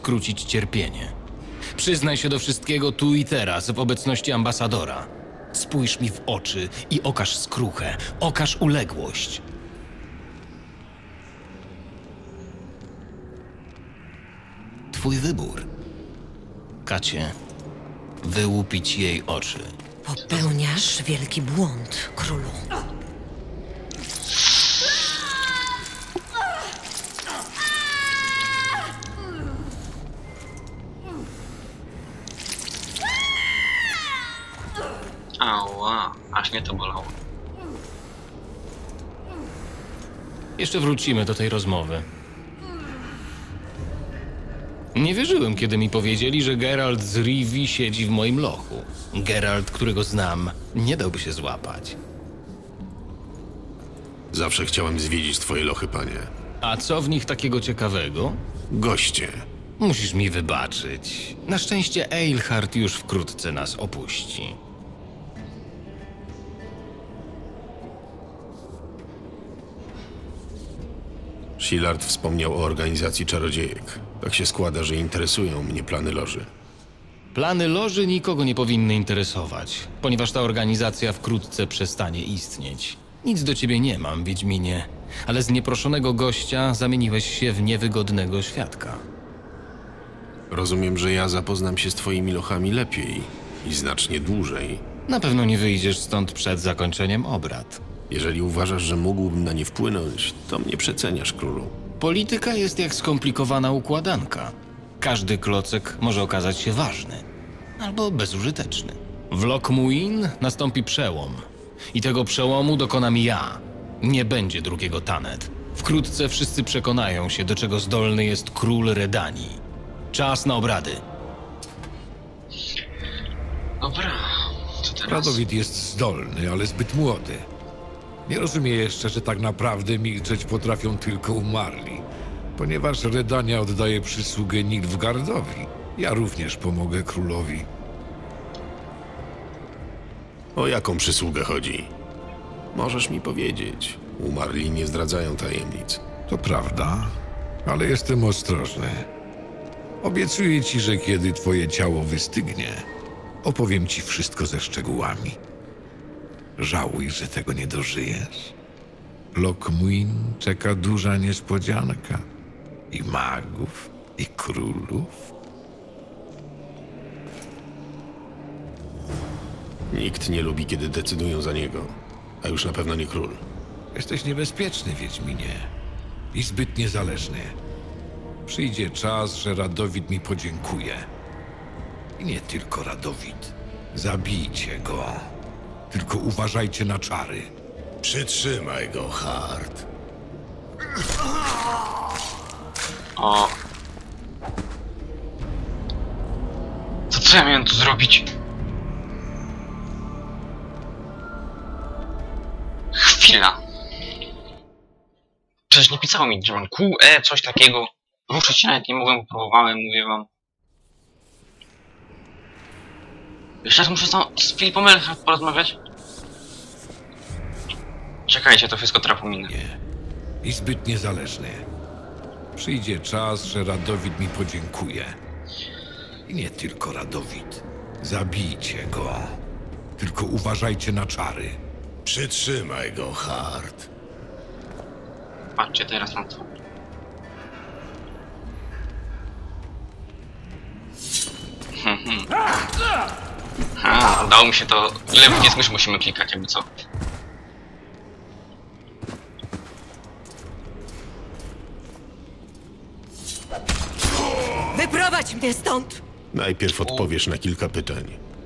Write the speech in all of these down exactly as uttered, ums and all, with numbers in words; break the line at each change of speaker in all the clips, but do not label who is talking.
skrócić cierpienie. Przyznaj się do wszystkiego tu i teraz, w obecności ambasadora. Spójrz mi w oczy i okaż skruchę, okaż uległość. Twój wybór. Kacie, wyłupić jej oczy.
Popełniasz wielki błąd, królu.
Ała, aż mnie to bolało.
Jeszcze wrócimy do tej rozmowy. Nie wierzyłem, kiedy mi powiedzieli, że Geralt z Rivii siedzi w moim lochu. Geralt, którego znam, nie dałby się złapać.
Zawsze chciałem zwiedzić twoje lochy, panie.
A co w nich takiego ciekawego?
Goście.
Musisz mi wybaczyć. Na szczęście Eilhart już wkrótce nas opuści.
Shillard wspomniał o organizacji czarodziejek. Tak się składa, że interesują mnie plany loży.
Plany loży nikogo nie powinny interesować, ponieważ ta organizacja wkrótce przestanie istnieć. Nic do ciebie nie mam, Wiedźminie, ale z nieproszonego gościa zamieniłeś się w niewygodnego świadka.
Rozumiem, że ja zapoznam się z twoimi lochami lepiej i znacznie dłużej.
Na pewno nie wyjdziesz stąd przed zakończeniem obrad.
Jeżeli uważasz, że mógłbym na nie wpłynąć, to mnie przeceniasz, królu.
Polityka jest jak skomplikowana układanka. Każdy klocek może okazać się ważny, albo bezużyteczny. W Lockmuin nastąpi przełom. I tego przełomu dokonam ja. Nie będzie drugiego Tannet. Wkrótce wszyscy przekonają się, do czego zdolny jest król Redanii. Czas na obrady.
Dobra, co teraz?
Radowid jest zdolny, ale zbyt młody. Nie rozumie jeszcze, że tak naprawdę milczeć potrafią tylko umarli. Ponieważ Redania oddaje przysługę Nilfgaardowi, ja również pomogę królowi.
O jaką przysługę chodzi? Możesz mi powiedzieć. Umarli nie zdradzają tajemnic.
To prawda, ale jestem ostrożny. Obiecuję ci, że kiedy twoje ciało wystygnie, opowiem ci wszystko ze szczegółami. Żałuj, że tego nie dożyjesz. Lockmuin czeka duża niespodzianka. I magów, i królów.
Nikt nie lubi, kiedy decydują za niego. A już na pewno nie król.
Jesteś niebezpieczny, Wiedźminie. I zbyt niezależny. Przyjdzie czas, że Radowid mi podziękuje. I nie tylko Radowid. Zabijcie go. Tylko uważajcie na czary.
Przytrzymaj go, Hart.
O. To co ja miałem tu zrobić? Chwila. Przecież nie pisało mi, że mam Q, E, coś takiego. Ruszyć się nawet nie mogłem, próbowałem, mówię wam. Jeszcze raz muszę z, z Filipem Eilhart porozmawiać. Czekajcie, to wszystko trapominę.
Nie. I zbyt niezależny. Przyjdzie czas, że Radowid mi podziękuje. I nie tylko Radowid. Zabijcie go. Tylko uważajcie na czary.
Przytrzymaj go, Hart.
Patrzcie teraz na to. Ha, udało mi się to. Ile w nie musimy klikać, jakby co.
Wyprowadź mnie stąd!
Najpierw odpowiesz na kilka pytań.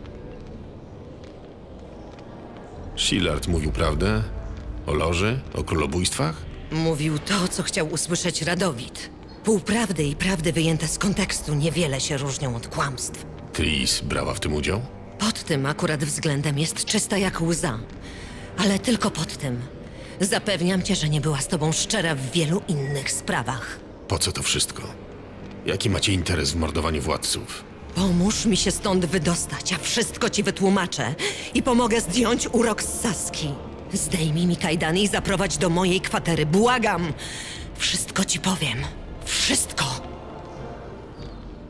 Shillard mówił prawdę? O loży? O królobójstwach?
Mówił to, co chciał usłyszeć Radowid. Półprawdy i prawdy wyjęte z kontekstu niewiele się różnią od kłamstw.
Tris brała w tym udział?
Pod tym akurat względem jest czysta jak łza. Ale tylko pod tym. Zapewniam cię, że nie była z tobą szczera w wielu innych sprawach.
Po co to wszystko? Jaki macie interes w mordowaniu władców?
Pomóż mi się stąd wydostać, a wszystko ci wytłumaczę. I pomogę zdjąć urok z Saski. Zdejmij mi kajdany i zaprowadź do mojej kwatery. Błagam! Wszystko ci powiem. Wszystko!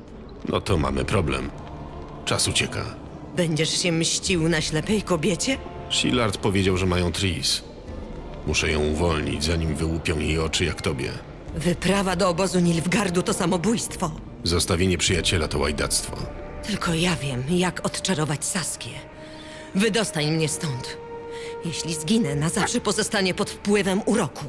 No to mamy problem. Czas ucieka.
Będziesz się mścił na ślepej kobiecie?
Shillard powiedział, że mają Tris. Muszę ją uwolnić, zanim wyłupią jej oczy jak tobie.
Wyprawa do obozu Nilfgaardu to samobójstwo.
Zostawienie przyjaciela to łajdactwo.
Tylko ja wiem, jak odczarować Saskię. Wydostań mnie stąd. Jeśli zginę, na zawsze pozostanie pod wpływem uroku.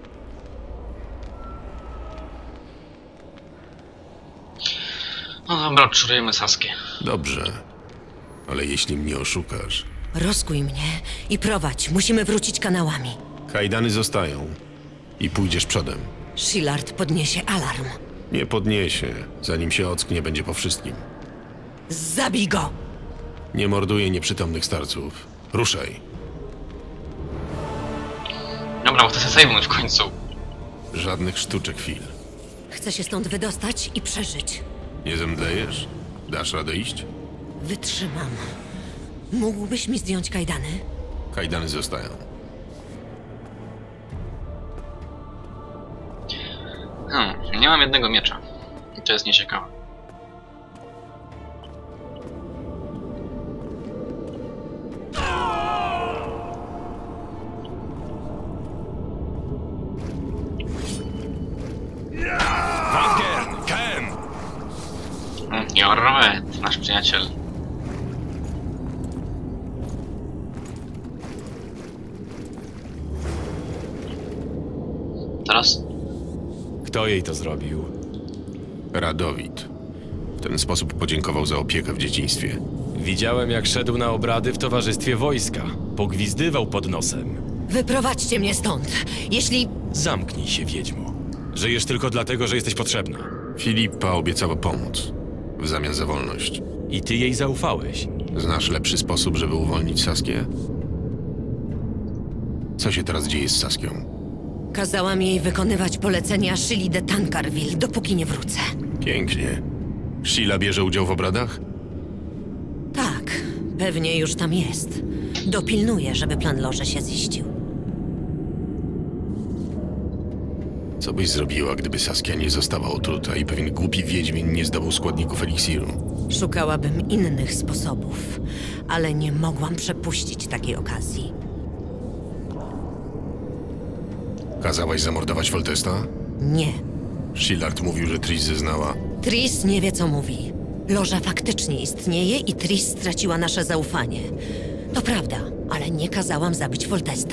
No dobra, odczarujemy Saskię.
Dobrze. Ale jeśli mnie oszukasz...
Rozkuj mnie i prowadź. Musimy wrócić kanałami.
Kajdany zostają. I pójdziesz przodem.
Shillard podniesie alarm.
Nie podniesie, zanim się ocknie, będzie po wszystkim.
Zabij go!
Nie morduje nieprzytomnych starców. Ruszaj.
Dobra, bo chcę sobie save'nąć w końcu.
Żadnych sztuczek chwil.
Chcę się stąd wydostać i przeżyć.
Nie zemdlejesz? Dasz radę iść?
Wytrzymam. Mógłbyś mi zdjąć kajdany?
Kajdany zostają.
Hmm, nie mam jednego miecza. I to jest nieciekawe.
Wagner! Ken!
Hmm, Jorwet, nasz przyjaciel. Teraz?
Kto jej to zrobił?
Radowid. W ten sposób podziękował za opiekę w dzieciństwie.
Widziałem, jak szedł na obrady w towarzystwie wojska. Pogwizdywał pod nosem.
Wyprowadźcie mnie stąd. Jeśli...
Zamknij się, wiedźmo. Żyjesz tylko dlatego, że jesteś potrzebna.
Filipa obiecała pomóc. W zamian za wolność.
I ty jej zaufałeś.
Znasz lepszy sposób, żeby uwolnić Saskię? Co się teraz dzieje z Saskią?
Kazałam jej wykonywać polecenia Shili de Tancarville, dopóki nie wrócę.
Pięknie. Sheila bierze udział w obradach?
Tak, pewnie już tam jest. Dopilnuję, żeby plan Loże się ziścił.
Co byś zrobiła, gdyby Saskia nie została otruta i pewien głupi wiedźmin nie zdobył składników eliksiru?
Szukałabym innych sposobów, ale nie mogłam przepuścić takiej okazji.
Kazałaś zamordować Foltesta?
Nie.
Shillard mówił, że Tris zeznała.
Tris nie wie, co mówi. Loża faktycznie istnieje i Tris straciła nasze zaufanie. To prawda, ale nie kazałam zabić Foltesta.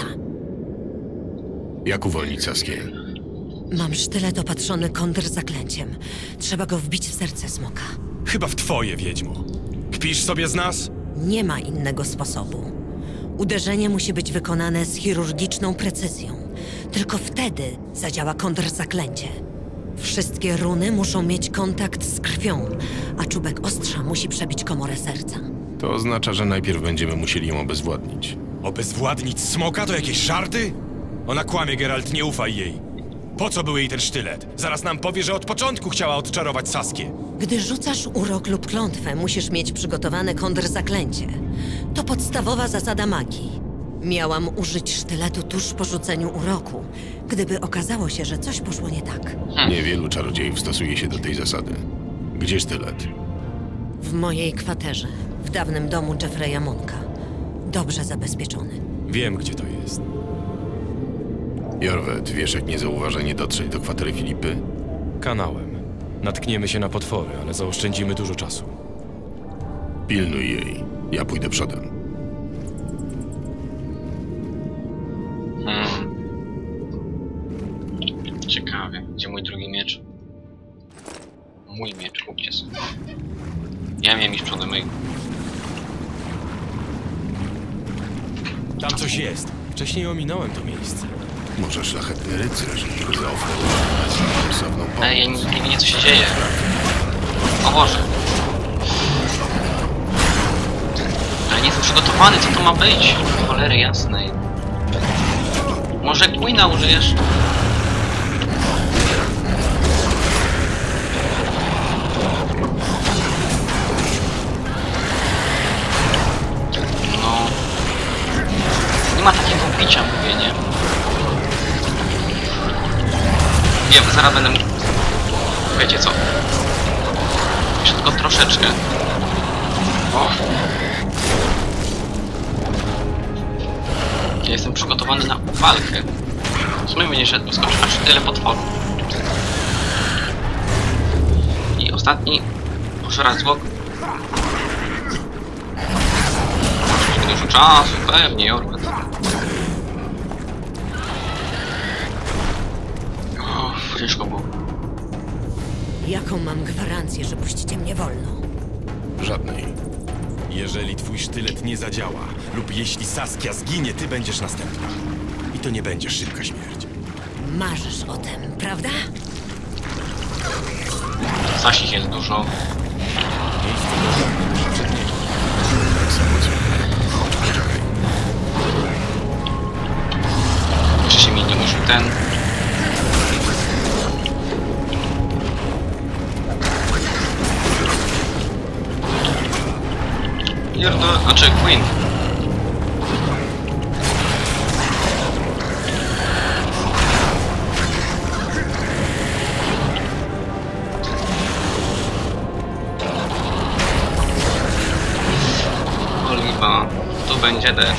Jak uwolnić Saskię?
Mam sztylet opatrzony kontrzaklęciem. Trzeba go wbić w serce smoka.
Chyba w twoje, wiedźmo. Kpisz sobie z nas?
Nie ma innego sposobu. Uderzenie musi być wykonane z chirurgiczną precyzją. Tylko wtedy zadziała kontrzaklęcie. Wszystkie runy muszą mieć kontakt z krwią, a czubek ostrza musi przebić komorę serca.
To oznacza, że najpierw będziemy musieli ją obezwładnić.
Obezwładnić smoka to jakieś żarty? Ona kłamie, Geralt, nie ufaj jej. Po co był jej ten sztylet? Zaraz nam powie, że od początku chciała odczarować Saskię.
Gdy rzucasz urok lub klątwę, musisz mieć przygotowane kontrzaklęcie. To podstawowa zasada magii. Miałam użyć sztyletu tuż po rzuceniu uroku, gdyby okazało się, że coś poszło nie tak.
Niewielu czarodziejów stosuje się do tej zasady. Gdzie sztylet?
W mojej kwaterze, w dawnym domu Jeffreya Monka. Dobrze zabezpieczony.
Wiem, gdzie to jest.
Jorwet, wiesz jak niezauważenie dotrzeć do kwatery Filipy?
Kanałem. Natkniemy się na potwory, ale zaoszczędzimy dużo czasu.
Pilnuj jej. Ja pójdę przodem.
Hmm. Ciekawie, gdzie mój drugi miecz? Mój miecz, kupcie sobie. Ja miałem iść przodem mojego.
Tam coś jest. Wcześniej ominąłem to miejsce.
Może szlachetny rycerz zaoferował sensowną pomoc.
Ej, ja nie, nie wiem, co się dzieje. O Boże. Ale nie jestem przygotowany, co to ma być? Cholery jasnej. Może Gwina użyjesz? No. Nie ma takiego bicia, mówię, nie? Wiem, zaraz będę... Wiecie co? Jeszcze tylko troszeczkę. O. Ja jestem przygotowany na walkę. W sumie mnie nie skoczył aż tyle potworów. I ostatni. Muszę raz zwłok. Dużo czasu, pewnie, Jorwet. O, ciężko było.
Jaką mam gwarancję, że puścicie mnie wolno?
Żadnej.
Jeżeli twój sztylet nie zadziała, lub jeśli Saskia zginie, ty będziesz następna. I to nie będzie szybka śmierć.
Marzysz o tym, prawda?
Zasich jest dużo.
Tak samo co
Jeszcze się mi nie użył ten. Jordo, znaczy Queen. Oliwa, tu będzie death.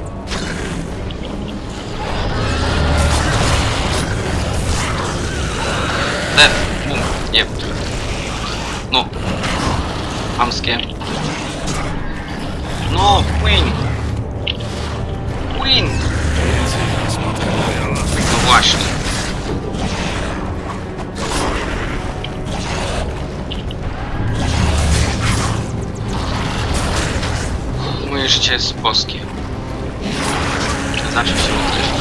Death, bum, nie. No. Hamskie. No, Queen! Queen! No właśnie. Moje życie jest boskie. Zawsze się modlę.